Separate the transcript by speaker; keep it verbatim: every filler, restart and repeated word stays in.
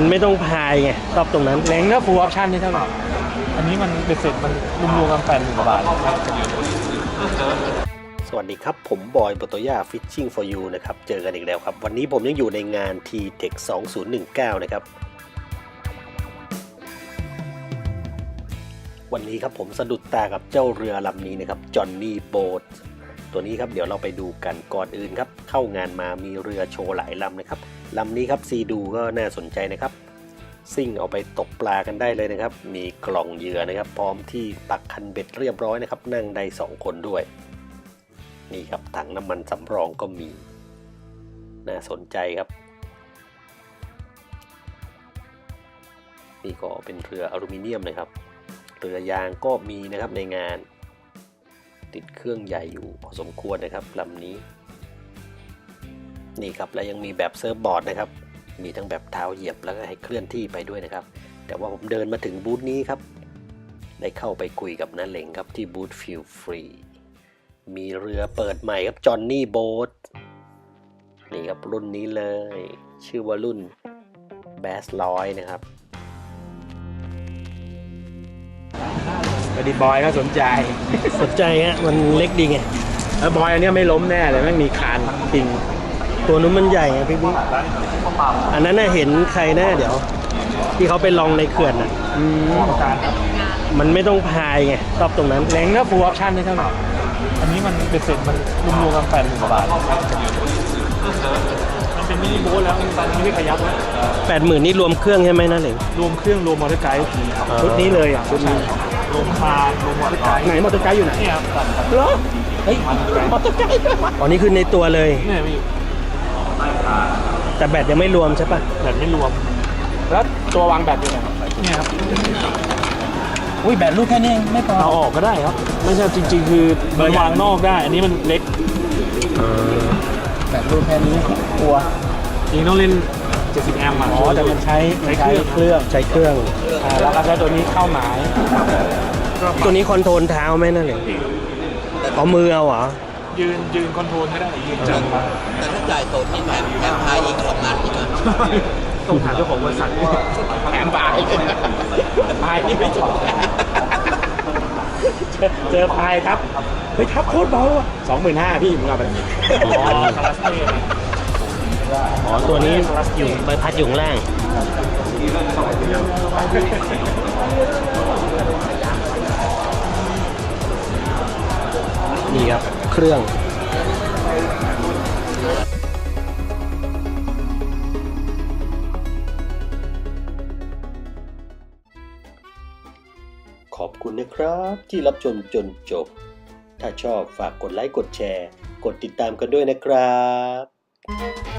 Speaker 1: มันไม่ต้องพายไงชอบตรงนั้น
Speaker 2: แรงก็ฟูลออปชั่นนี่เท่าไหร่อันนี้มันเป็นเสร็จมันรวมๆกันแปดหมื่นกว่าบาท
Speaker 1: สวัสดีครับผมบอยโบโตย่า Fishing for You นะครับเจอกันอีกแล้วครับวันนี้ผมยังอยู่ในงาน ที เทค สองพันสิบเก้านะครับวันนี้ครับผมสะดุดตากับเจ้าเรือลำนี้นะครับจอห์นนี่โบ๊ทตัวนี้ครับเดี๋ยวเราไปดูกันก่อนอื่นครับเข้างานมามีเรือโชว์หลายลำนะครับลำนี้ครับซีดูก็น่าสนใจนะครับซิ่งเอาไปตกปลากันได้เลยนะครับมีกล่องเหยื่อนะครับพร้อมที่ปักคันเบ็ดเรียบร้อยนะครับนั่งได้สองคนด้วยนี่ครับถังน้ำมันสำรองก็มีน่าสนใจครับนี่ก็เป็นเรืออลูมิเนียมนะครับเรือยางก็มีนะครับในงานติดเครื่องใหญ่อยู่พอสมควรนะครับลำนี้นี่ครับและยังมีแบบเซิร์ฟบอร์ดนะครับมีทั้งแบบเท้าเหยียบแล้วก็ให้เคลื่อนที่ไปด้วยนะครับแต่ว่าผมเดินมาถึงบูธนี้ครับได้เข้าไปคุยกับน้าเหล่งครับที่บูธฟิลฟรีมีเรือเปิดใหม่ครับจอห์นนี่โบ๊ทนี่ครับรุ่นนี้เลยชื่อว่ารุ่นแบสร้อยนะครับ
Speaker 2: พอดีบอยก็สนใจ
Speaker 1: สนใจฮะมันเล็กดีไง
Speaker 2: แล้วบอยอันนี้ไม่ล้มแน่เลยไม่มีคานปิง
Speaker 1: ตัวนู้นมันใหญ่ไงพี่บิ๊กอันนั้นน่ะเห็นใครแน่เดี๋ยวที่เขาไปลองในเขื่อนอ่ะมันไม่ต้องพายไงชอบตรงนั้น
Speaker 2: แรงก็ฟูลออปชั่นนี่เท่าไหร่อันนี้มันเป็นเสร็จมันรวมๆกันแปดหมื่นกว่าบาทมันเป็นมินิโบ๊ทแล้วตอนนี้ไม่ขยับแล้ว
Speaker 1: แปดหมื่นนี่รวมเครื่องใช่ไหมนะเหล่ง
Speaker 2: รวมเครื่องรวมมอเตอร์ไกด์ชุดนี้เลยอ่ะชุดนี้รวมพานรวมมอเตอร์ไกด์ไหนมอเตอร์ไกด์อยู่ไหนเนี่ย
Speaker 1: เหรอเฮ้ยมอเตอร์ไกด์อ๋อนี่คือในตัวเลย
Speaker 2: เนี่ยมี
Speaker 1: แต่แบตยังไม่รวมใช่ปะ
Speaker 2: แบตไม่รวมแล้วตัววางแบตอยู่ไหนเนี่ยครับ
Speaker 1: อุ้ยแบตลูกแค่นี้ไม่พอ
Speaker 2: เอาออกก็ได้ครับไม่ใช่จริงๆคือมันวางนอกได้อันนี้มันเล็ก
Speaker 1: แบตลูกแค่นี้กลัว
Speaker 2: จริงต้องเล่นเจ็ดสิบแอมป์อ๋
Speaker 1: อแต่มันใช้
Speaker 2: ใช้เครื่อง
Speaker 1: เครื่องใช้เครื่อง
Speaker 2: แล้วก็ใช้ตัวนี้เข้าหมาย
Speaker 1: ตัวนี้คอนโทรลเท้าไหมนั่นเองเอามือเอาเหรอ
Speaker 2: ยืนยืนคอนโทรลก็ได้ยืนจับ
Speaker 3: แต่ถ้าจ่ายโซนที่แถมแถมพายอีกสองนัดอีกนะ
Speaker 2: ต้องถามเจ้าของบริษัท
Speaker 3: แถมพาย
Speaker 2: พายนี่ไม่จบเจอพายครับเฮ้ยทับโคตรเบาอ่ะสองหมื่นห้าพี่มึงเอาไปอ๋อคาราสเต้
Speaker 1: อ๋อตัวนี้อยู่ใบพัดอยู่ข้างล่างนี่ครับเครื่องขอบคุณนะครับที่รับชมจนจบถ้าชอบฝากกดไลค์กดแชร์กดติดตามกันด้วยนะครับ